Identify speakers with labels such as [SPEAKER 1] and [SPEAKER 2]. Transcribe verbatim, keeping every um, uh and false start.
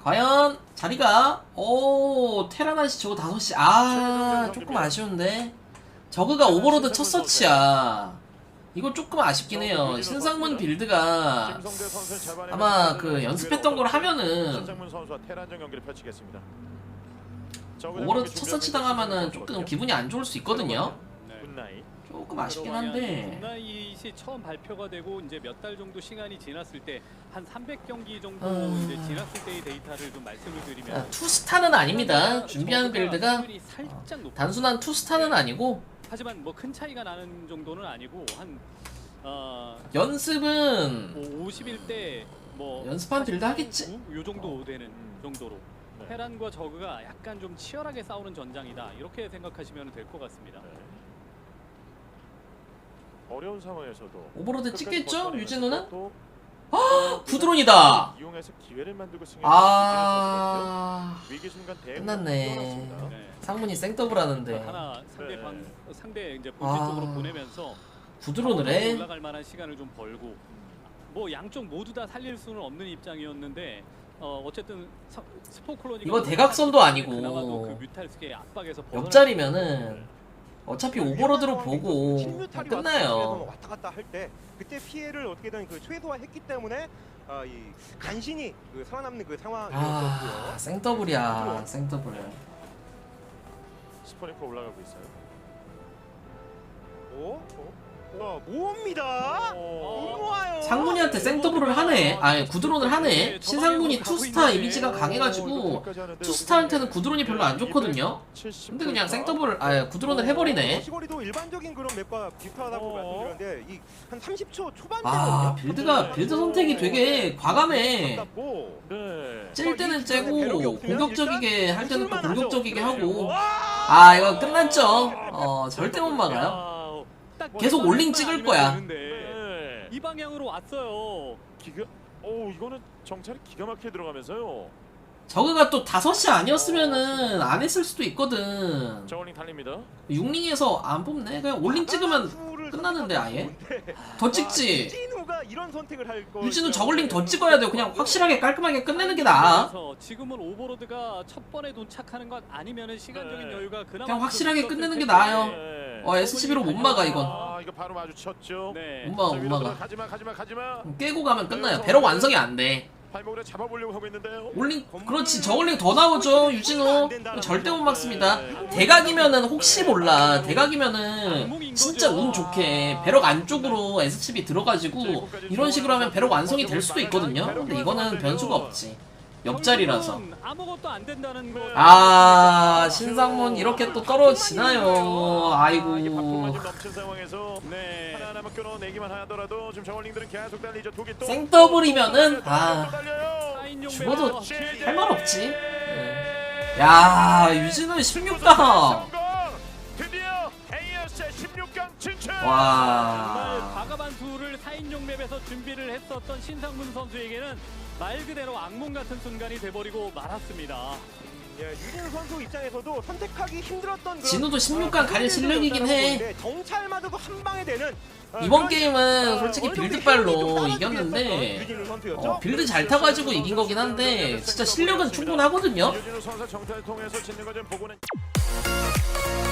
[SPEAKER 1] 과연 자리가 오 테라나시 저거 다섯 시 아 조금 아쉬운데 저그가 오버로드 첫 서치야. 이거 조금 아쉽긴 해요. 신상문 빌드가 아마 그 연습했던 걸 하면은 오버로드 첫 서치 당하면은 조금 기분이 안 좋을 수 있거든요. 조금 아쉽긴 한데
[SPEAKER 2] 굿나잇이 처음 발표가 되고 이제 몇 달 정도 시간이 지났을 때 한 삼백 경기 정도
[SPEAKER 1] 음...
[SPEAKER 2] 이제 지났을 때의 데이터를 좀 말씀을 드리면
[SPEAKER 1] 아, 투스타는 아닙니다. 준비하는 빌드가 어, 단순한 투스타는 아니고
[SPEAKER 2] 하지만 뭐 큰 차이가 나는 정도는 아니고 한 어,
[SPEAKER 1] 연습은
[SPEAKER 2] 뭐 오십 일 대 뭐
[SPEAKER 1] 연습한 빌드 하겠지?
[SPEAKER 2] 요 정도 되는 정도로
[SPEAKER 3] 네.
[SPEAKER 2] 테란과 저그가 약간 좀 치열하게 싸우는 전장이다 이렇게 생각하시면 될 것 같습니다.
[SPEAKER 3] 네. 어려운 상황에서도
[SPEAKER 1] 오버로드 찍겠죠? 유진우는?
[SPEAKER 3] 또
[SPEAKER 1] 아 구드론이다.
[SPEAKER 3] 이용해서 기회를 만들고 승리를
[SPEAKER 1] 아
[SPEAKER 3] 위기 순간 대응
[SPEAKER 1] 끝났네.
[SPEAKER 2] 네.
[SPEAKER 1] 상문이 생더블 하는데
[SPEAKER 2] 하나 상대
[SPEAKER 3] 네.
[SPEAKER 2] 방 상대 이제 본진
[SPEAKER 1] 아.
[SPEAKER 2] 쪽으로 보내면서
[SPEAKER 1] 구드론을 해?
[SPEAKER 2] 올라갈 만한 시간을 좀 벌고 뭐 양쪽 모두 다 살릴 수는 없는 입장이었는데 어 어쨌든 서, 스포콜로니가
[SPEAKER 1] 이거 대각선도 아니고
[SPEAKER 2] 그나마도 그 뮤탈스의 압박에서 벗어날
[SPEAKER 1] 옆자리면은 어차피 오버로드로 보고
[SPEAKER 4] 신뮤탈이
[SPEAKER 1] 끝나요.
[SPEAKER 4] 왔다 갔다 할 때 그때 피해를 어떻게든 그 최소화했기 때문에 아, 이 간신히 그 살아남는 그
[SPEAKER 1] 아
[SPEAKER 4] 상황이었고요.
[SPEAKER 1] 생더블이야 생더블.
[SPEAKER 3] 스포니커 올라가고 있어요.
[SPEAKER 4] 오, 어? 와 모읍니다.
[SPEAKER 3] 오.
[SPEAKER 4] 모아요.
[SPEAKER 1] 상문이한테 생더블을 하네. 아니 구드론을 하네. 신상문이 투스타 이미지가 강해가지고 투스타한테는 구드론이 별로 안 좋거든요. 근데 그냥 생더블 아 구드론을 해버리네.
[SPEAKER 4] 시거리도 일반적인 그런 맵과 비슷하다고
[SPEAKER 3] 어.
[SPEAKER 4] 말씀드렸는데 이 한 삼십 초 초반대.
[SPEAKER 1] 아 빌드가 빌드 선택이 되게 과감해.
[SPEAKER 3] 네.
[SPEAKER 1] 찔 때는 째고 공격적이게 할 때는 또 공격적이게 하고. 아 이거 끝났죠. 어 절대 못 막아요. 계속 올링 찍을 거야.
[SPEAKER 3] 네.
[SPEAKER 2] 이 방향으로 왔어요.
[SPEAKER 3] 기가 오 이거는 정찰이 기가 막히게 들어가면서요.
[SPEAKER 1] 저그가 또 다섯 시 아니었으면은 안 했을 수도 있거든.
[SPEAKER 3] 저울링 달립니다.
[SPEAKER 1] 육링에서 안 뽑네. 그냥 올링 찍으면 끝나는데 아예. 더 찍지.
[SPEAKER 4] 유진우가 이런 선택을 할 거.
[SPEAKER 1] 유진우 저글링 더 찍어야 돼요. 그냥 확실하게 깔끔하게 끝내는 게 나아.
[SPEAKER 2] 그래서 지금은 오버로드가 첫 번에 도착하는 것 아니면은 시간적인
[SPEAKER 3] 네.
[SPEAKER 2] 여유가 그나마
[SPEAKER 1] 그냥 확실하게
[SPEAKER 2] 좀
[SPEAKER 1] 끝내는 게
[SPEAKER 2] 있었을
[SPEAKER 1] 나아요.
[SPEAKER 2] 텐데.
[SPEAKER 3] 네.
[SPEAKER 1] 어 에스씨비로 못 막아 이건.
[SPEAKER 3] 아 이거 바로 마주쳤죠.
[SPEAKER 2] 네.
[SPEAKER 1] 못 막아
[SPEAKER 3] 자,
[SPEAKER 1] 못
[SPEAKER 3] 위로
[SPEAKER 1] 막아.
[SPEAKER 3] 가지마 가지마 가지마.
[SPEAKER 1] 깨고 가면 끝나요. 배럭 완성이 안 돼.
[SPEAKER 3] 발목을 잡아보려고 하고 있는데요.
[SPEAKER 1] 올링 그렇지 저글링 더 나오죠 유진우. 절대 못 막습니다. 대각이면은 혹시 몰라. 대각이면은 진짜 운 좋게 배럭 안쪽으로 에스씨비 들어가지고 이런 식으로 하면 배럭 완성이 될 수도 있거든요. 근데 이거는 변수가 없지. 옆자리라서.
[SPEAKER 2] 결국은 아무것도 안 된다는 거.
[SPEAKER 1] 아 신상문 이렇게 또 떨어지나요. 아이고.
[SPEAKER 3] 이게 박동만 좀 넘친 상황에서
[SPEAKER 2] 네.
[SPEAKER 3] 하나하나만 끊어내기만 하더라도 지금 저울링들은 계속 달리죠. 독이 또
[SPEAKER 1] 생더블이면은 아
[SPEAKER 2] 사인용
[SPEAKER 1] 죽어도
[SPEAKER 2] 맵에서
[SPEAKER 1] 할 말 없지. 네. 야 유진우 십육 강.
[SPEAKER 3] 성공! 드디어 에이에스의 십육 강 진출.
[SPEAKER 2] 정말
[SPEAKER 1] 와.
[SPEAKER 2] 과감한 수를 사인용 맵에서 준비를 했었던 신상문 선수에게는 말 그대로 악몽 같은 순간이 돼버리고 말았습니다.
[SPEAKER 4] 예, 유진우 선수 입장에서도 선택하기 힘들었던 그런
[SPEAKER 1] 진우도 십육 강 갈 실력이긴 해.
[SPEAKER 4] 정찰마저도 한 방에 되는 어,
[SPEAKER 1] 이번
[SPEAKER 4] 그런,
[SPEAKER 1] 게임은
[SPEAKER 4] 어,
[SPEAKER 1] 솔직히
[SPEAKER 4] 어느 정도
[SPEAKER 1] 빌드빨로
[SPEAKER 4] 힘이 좀 따라주기
[SPEAKER 1] 이겼는데
[SPEAKER 4] 했었던 유진우 선수였죠.
[SPEAKER 1] 어, 빌드 잘 타가지고 이긴 거긴 한데 진짜 실력은 충분하거든요.
[SPEAKER 3] 유진우 선수 정찰을 통해서 짓는 거좀 보고는.